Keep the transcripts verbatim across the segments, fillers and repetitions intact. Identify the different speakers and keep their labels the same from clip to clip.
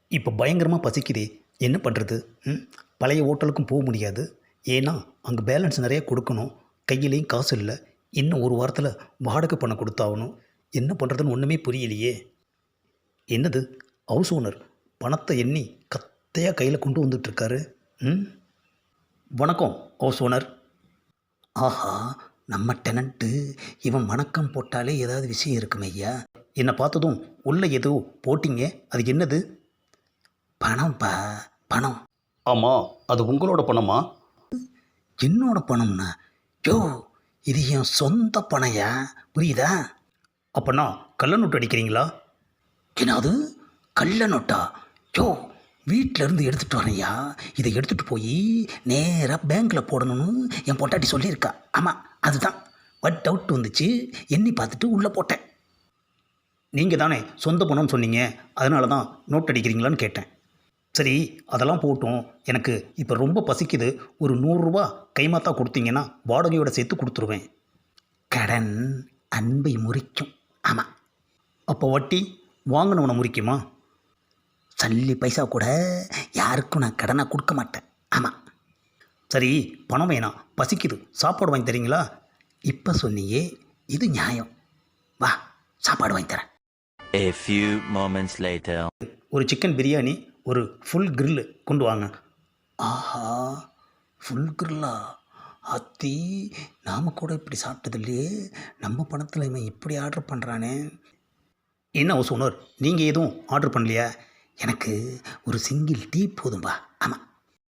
Speaker 1: இப்போ பயங்கரமாக பசிக்குதே, என்ன பண்ணுறது? ம் பழைய ஹோட்டலுக்கும் போக முடியாது. ஏன்னா அங்கே பேலன்ஸ் நிறைய கொடுக்கணும். கையிலையும் காசு இல்லை. இன்னும் ஒரு வாரத்தில் வாடகை பணம் கொடுத்தாகணும். என்ன பண்ணுறதுன்னு ஒன்றுமே புரியலையே. என்னது, ஹவுஸ் ஓனர் பணத்தை எண்ணி கத்தையாக கையில் கொண்டு வந்துட்டுருக்காரு. ம் வணக்கம் ஹவுஸ் ஓனர். ஆஹா, நம்ம டெனண்ட்டு இவன் வணக்கம் போட்டாலே ஏதாவது விஷயம் இருக்குமே ஐயா. என்னை பார்த்ததும் உள்ளே ஏதோ போட்டிங்க, அது என்னது? பணம்ப்பா, பணம். ஆமாம், அது உங்களோட பணமா? என்னோட பணம்னா? யோ, இது என் சொந்த பணையா, புரியுதா? அப்போனா கள்ள நோட்டு அடிக்கிறீங்களா? என்னது கள்ள நோட்டா? யோ, வீட்டில் இருந்து எடுத்துகிட்டு வரேன்யா. இதை எடுத்துகிட்டு போய் நேராக பேங்க்கில் போடணும்னு என் பொட்டாட்டி சொல்லியிருக்கா. ஆமாம், அதுதான். பட் டவுட் வந்துச்சு, எண்ணி பார்த்துட்டு உள்ளே போட்டேன். நீங்கள் தானே சொந்த பணம்னு சொன்னீங்க, அதனால தான் நோட் அடிக்கிறீங்களான்னு கேட்டேன். சரி, அதெல்லாம் போட்டும். எனக்கு இப்போ ரொம்ப பசிக்குது. ஒரு நூறுரூவா கைமாத்தா கொடுத்தீங்கன்னா வாடகையோட சேர்த்து கொடுத்துருவேன். கடன் அன்பை முறிக்கும். ஆமாம். அப்போ வட்டி வாங்கினவனை முறிக்குமா? சல்லி பைசா கூட யாருக்கும் நான் கடனாக கொடுக்க மாட்டேன். ஆமாம். சரி, பணம் வேணாம், பசிக்குது, சாப்பாடு வாங்கி தரீங்களா? இப்போ சொன்னியே, இது நியாயம். வா, சாப்பாடு வாங்கி தரேன்.
Speaker 2: A few moments later.
Speaker 1: ஒரு சிக்கன் பிரியாணி, ஒரு ஃபுல் கிரில்லு கொண்டு வாங்க. ஆஹா, ஃபுல் கிரில்லா? அத்தி, நாம் கூட இப்படி சாப்பிட்டது இல்லையே. நம்ம பணத்தில் இவன் இப்படி ஆர்டர் பண்ணுறானே. என்ன ஹவுஸ் ஓனர், நீங்கள் எதுவும் ஆர்டர் பண்ணலையா? எனக்கு ஒரு சிங்கிள் டீ போதும்பா. ஆமாம்.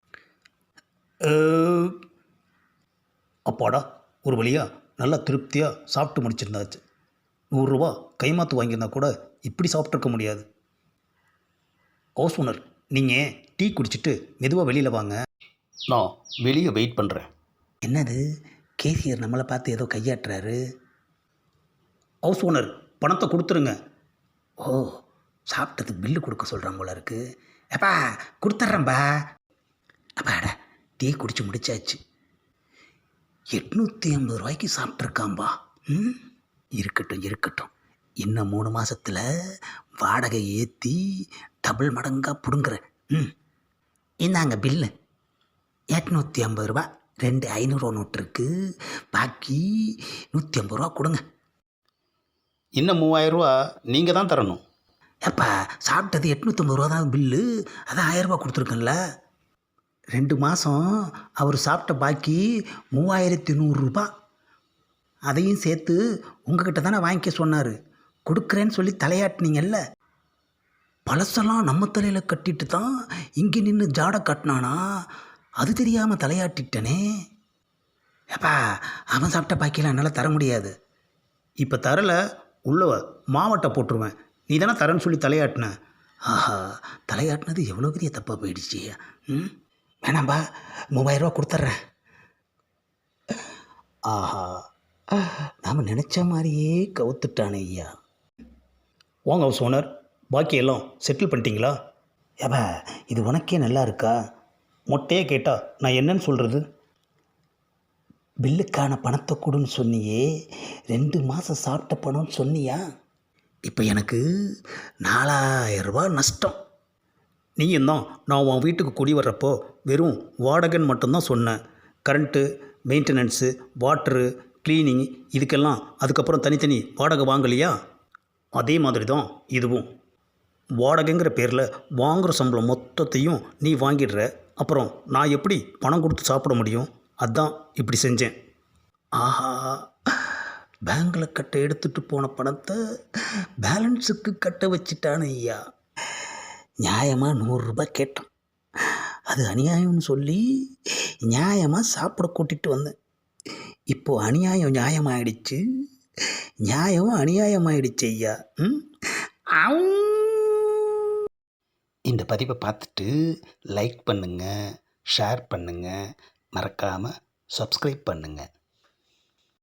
Speaker 1: அப்பாடா, ஒரு வழியாக நல்லா திருப்தியாக சாப்பிட்டு முடிச்சிருந்தாச்சு. நூறுரூவா கைமாத்து வாங்கியிருந்தா கூட இப்படி சாப்பிட்ருக்க முடியாது. ஹவுஸ் ஓனர், நீங்கள் டீ குடிச்சிட்டு மெதுவாக வெளியில் வாங்க, நான் வெளியே வெயிட் பண்ணுறேன். என்னது, கேசியர் நம்மளை பார்த்து ஏதோ கையாட்டுறாரு. ஹவுஸ் ஓனர், பணத்தை கொடுத்துருங்க. ஓ, சாப்பிட்டதுக்கு பில்லு கொடுக்க சொல்கிறான் போல இருக்கு. எப்பா கொடுத்துட்றேன்பா. அப்பாடா, டீ குடிச்சு முடிச்சாச்சு. எட்நூற்றி ஐம்பது ரூபாய்க்கு சாப்பிட்ருக்காம்பா. ம் இருக்கட்டும் இருக்கட்டும், இன்னும் மூணு மாதத்தில் வாடகை ஏற்றி டபுள் மடங்காக பிடுங்குறேன். ம் இந்தாங்க பில்லு. எட்நூற்றி ஐம்பது ரூபா, ரெண்டு ஐநூறுரூவா நோட்டு இருக்குது. பாக்கி நூற்றி ஐம்பது ரூபா கொடுங்க. இன்னும் மூவாயிரரூவா நீங்கள் தான் தரணும். எப்பா, சாப்பிட்டது எட்நூற்றம்பது ரூபா தான் பில்லு, அதான் ஆயிரரூபா கொடுத்துருக்கேன்ல. ரெண்டு மாதம் அவர் சாப்பிட்ட பாக்கி மூவாயிரத்தி நூறுரூபா. அதையும் சேர்த்து உங்ககிட்ட தானே வாங்கிக்க சொன்னார். கொடுக்குறேன்னு சொல்லி தலையாட்டினீங்கல்ல. பழசெல்லாம் நம்ம தலையில் கட்டிட்டு தான் இங்கே நின்று ஜாடை கட்டினானா? அது தெரியாமல் தலையாட்டிட்டனே. ஏப்பா, அவன் சாப்பிட்ட பாக்கியெல்லாம் என்னால் தர முடியாது. இப்போ தரலை, உள்ள மாவட்டை போட்டுருவேன். நீ தானே தரேன்னு சொல்லி தலையாட்டின. ஆஹா, தலையாட்டினது எவ்வளோ பெரிய தப்பாக போயிடுச்சு. ம் வேணாம்பா, மூவாயிரரூவா கொடுத்துட்றேன். ஆஹா, நாம் நினச்ச மாதிரியே கவுத்துட்டானே ஐயா. வாங்க ஹவுஸ் ஓனர், பாக்கி எல்லாம் செட்டில் பண்ணிட்டீங்களா? ஏப்பா, இது உனக்கே நல்லா இருக்கா? மொட்டையே கேட்டால் நான் என்னன்னு சொல்கிறது? பில்லுக்கான பணத்தை கொடுன்னு சொன்னியே, ரெண்டு மாதம் சாப்பிட்ட பணம்னு சொன்னியா? இப்போ எனக்கு நாலாயிரரூபா நஷ்டம். நீயும் தான் நான் உன் வீட்டுக்கு குடி வர்றப்போ வெறும் வாடகைன்னு மட்டும்தான் சொன்னேன். கரண்ட்டு, மெயின்டெனன்ஸு, வாட்ரு, க்ளீனிங், இதுக்கெல்லாம் அதுக்கப்புறம் தனித்தனி வாடகை வாங்கலையா? அதே மாதிரி தான் இதுவும். வாடகைங்கிற பேரில் வாங்குகிற சம்பளம் மொத்தத்தையும் நீ வாங்கிடுற. அப்புறம் நான் எப்படி பணம் கொடுத்து சாப்பிட முடியும்? அதான் இப்படி செஞ்சேன். ஆஹா, பேங்கில் கட்ட எடுத்துகிட்டு போன பணத்தை பேலன்ஸுக்கு கட்ட வச்சிட்டானு ஐயா. நியாயமாக நூறுரூபா கேட்டான், அது அநியாயம்னு சொல்லி நியாயமாக சாப்பிட கூட்டிகிட்டு வந்தேன். இப்போது அநியாயம் நியாயமாயிடுச்சு, நியாயம் அநியாயமாயிடுச்சு ஐயா. ம் இந்த பதிவை பார்த்துட்டு லைக் பண்ணுங்கள், ஷேர் பண்ணுங்கள், மறக்காமல் சப்ஸ்கிரைப் பண்ணுங்கள்.